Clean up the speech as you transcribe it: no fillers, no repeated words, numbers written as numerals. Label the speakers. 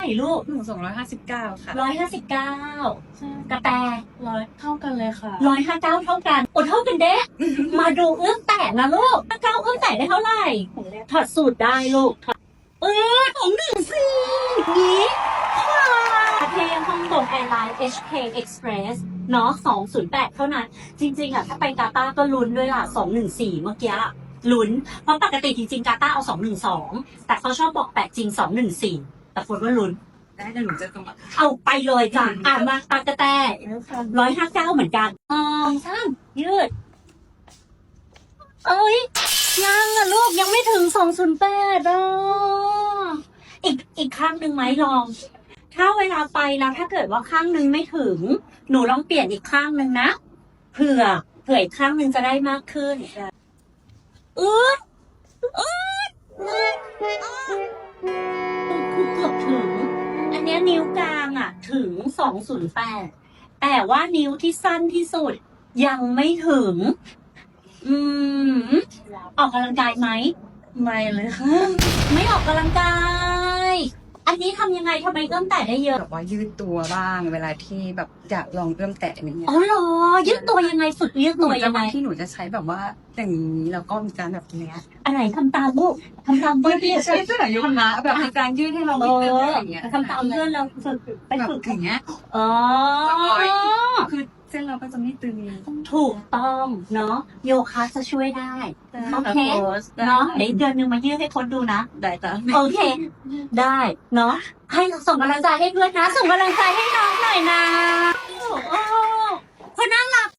Speaker 1: ลูก
Speaker 2: หนู259ค่ะ
Speaker 1: 159กระแต
Speaker 2: 100เท่ากันเลยค่ะ
Speaker 1: 159เท่ากันโอ้เท่ากันเด้มาดูเอื้อมแตะนะลูกเก้าเอื้อมแตะได้เท่าไหร่ถอดสูตรได้ลูก214นี้ค่ะประเทศฮ่องกงแอร์ไลน์ HK Express เนาะ208เท่านั้นจริงๆถ้าไปกาตาร์ก็ลุ้นด้วยล่ะ214เมื่อกี้ลุ้นเพราะปกติจริงๆกาตาร์เอา212แต่เขาชอบบอกแปะจริง214แต่คนว่าลุ้น
Speaker 2: ได้แต่หนูจะต้อง
Speaker 1: เอาไปเลยจ้ะมาปากกระแต159เหมือนกันช่างยืดยังอะลูกยังไม่ถึง208อีกข้างหนึ่งไหมลองถ้าเวลาไปแล้วถ้าเกิดว่าข้างหนึ่งไม่ถึงหนูลองเปลี่ยนอีกข้างหนึ่งนะเผื่ออีกข้างหนึ่งจะได้มากขึ้นคือเกือบถึงอันนี้นิ้วกลางอ่ะถึง208แต่ว่านิ้วที่สั้นที่สุดยังไม่ถึงออกกำลังกายไหม
Speaker 2: ไม่เลยค่ะ
Speaker 1: ไม่ออกกำลังกายอันนี้ทำยังไงทำไมเอื้อมแตะได้เยอะ
Speaker 2: แบบว่ายืดตัวบ้างเวลาที่แบบอยากลองเอื้อมแตะอย่างเงี้ย
Speaker 1: อ๋อเหรอยืดตัวยังไงฝึกยืดตัวยังไง
Speaker 2: ที่หนูจะใช้แบบว่าอย่างนี้แล้วก็มีการแบบเนี้ย
Speaker 1: อะไรทำตามลูกทำตามเพื่อน
Speaker 2: ใช่ที่ไหนยุคนะแบบมีการยืดให้เรา
Speaker 1: อย่างเงี้ยทำตามเพื่อนเราฝึกไปฝึก
Speaker 2: อย่างเงี้ยคือเส้นเราก็จะไม่ตึง
Speaker 1: ถูกต้องเนาะโยคะจะช่วยได้โอเคเนาะเดี๋ยวเดือนนึงมายืดให้คนดูนะ
Speaker 2: ได้จ้ะ
Speaker 1: โอเคได้เนาะให้ส่งกำลังใจให้เพื่อนนะส่งกำลังใจให้น้องหน่อยนะเพราะน่ารัก